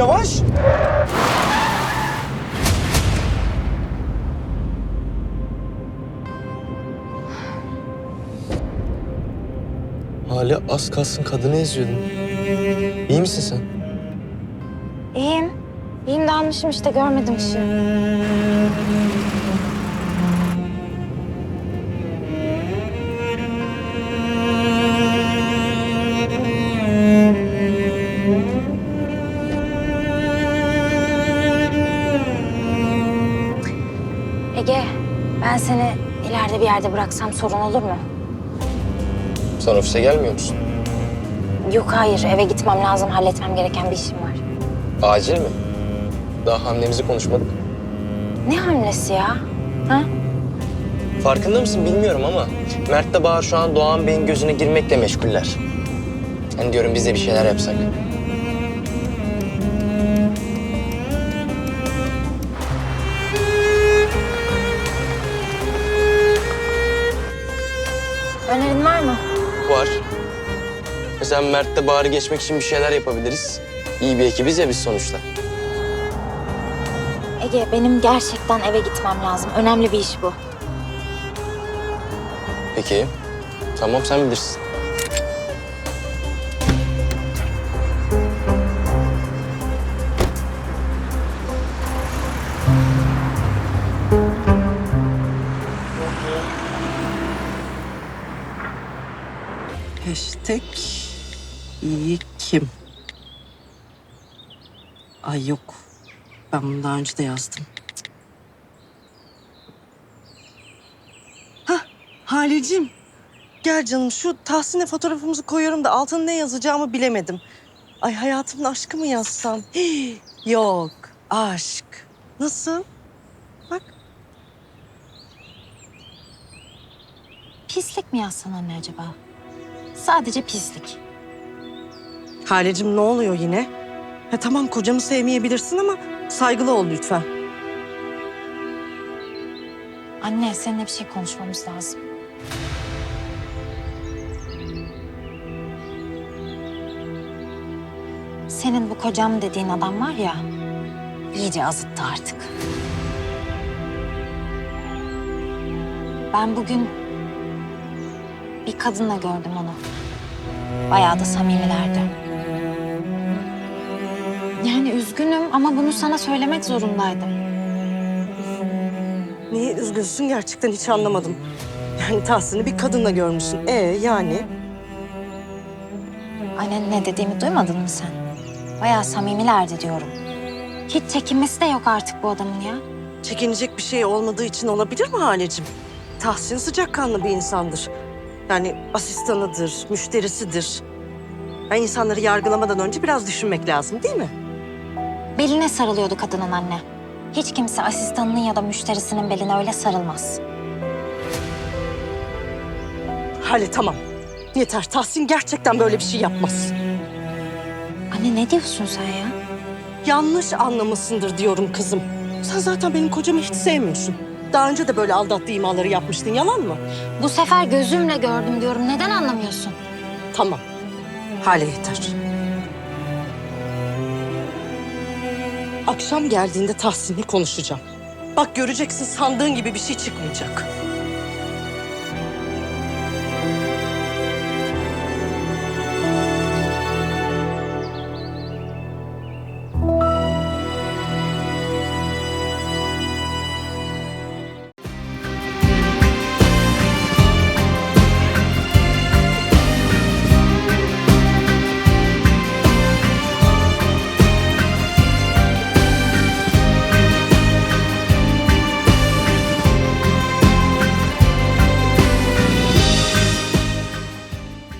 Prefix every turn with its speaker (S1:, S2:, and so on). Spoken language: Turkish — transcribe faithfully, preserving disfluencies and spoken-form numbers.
S1: yavaş. Hale az kalsın kadını eziyordun. İyi misin sen?
S2: İyiyim. İyiyim dalmışım işte görmedim ışığı. Ege, ben seni ileride bir yerde bıraksam sorun olur mu?
S1: Sen ofise gelmiyor musun?
S2: Yok hayır, eve gitmem lazım. Halletmem gereken bir işim var.
S1: Acil mi? Daha hamlemizi konuşmadık.
S2: Ne hamlesi ya? Ha?
S1: Farkında mısın bilmiyorum ama Mert'le Bahar şu an Doğan Bey'in gözüne girmekle meşguller. Hani diyorum biz de bir şeyler yapsak.
S2: Önerin var mı?
S1: Var. Mesela Mert'le Bahar'ı geçmek için bir şeyler yapabiliriz. İyi bir ekibiz ya biz sonuçta.
S2: Ege, benim gerçekten eve gitmem lazım. Önemli bir iş bu.
S1: Peki. Tamam sen bilirsin.
S3: Hashtag iyi kim? Ay yok. Ben bunu daha önce de yazdım. Hah Halicim. Gel canım şu Tahsin'e fotoğrafımızı koyuyorum da altına ne yazacağımı bilemedim. Ay hayatımın aşkı mı yazsam? Hii, yok aşk. Nasıl? Bak.
S2: Pislik mi yazsan anne acaba? Sadece pislik.
S3: Halicim ne oluyor yine? Ha, tamam kocamı sevmeyebilirsin ama saygılı ol lütfen.
S2: Anne, seninle bir şey konuşmamız lazım. Senin bu kocam dediğin adam var ya, iyice azıttı artık. Ben bugün bir kadınla gördüm onu. Bayağı da samimilerdi. Yani üzgünüm ama bunu sana söylemek zorundaydım.
S3: Niye üzgünsün gerçekten hiç anlamadım. Yani Tahsin'i bir kadınla görmüşsün. Ee yani?
S2: Anne ne dediğimi duymadın mı sen? Bayağı samimilerdi diyorum. Hiç çekinmesi de yok artık bu adamın ya.
S3: Çekinecek bir şey olmadığı için olabilir mi Halecim? Tahsin sıcakkanlı bir insandır. Yani asistanıdır, müşterisidir. Yani insanları yargılamadan önce biraz düşünmek lazım değil mi?
S2: Beline sarılıyordu kadının anne. Hiç kimse asistanının ya da müşterisinin beline öyle sarılmaz.
S3: Hale tamam. Yeter. Tahsin gerçekten böyle bir şey yapmaz.
S2: Anne ne diyorsun sen ya?
S3: Yanlış anlamışsındır diyorum kızım. Sen zaten benim kocamı hiç sevmiyorsun. Daha önce de böyle aldattığı imaları yapmıştın. Yalan mı?
S2: Bu sefer gözümle gördüm diyorum. Neden anlamıyorsun?
S3: Tamam. Hale yeter. Akşam geldiğinde Tahsin'le konuşacağım. Bak göreceksin sandığın gibi bir şey çıkmayacak.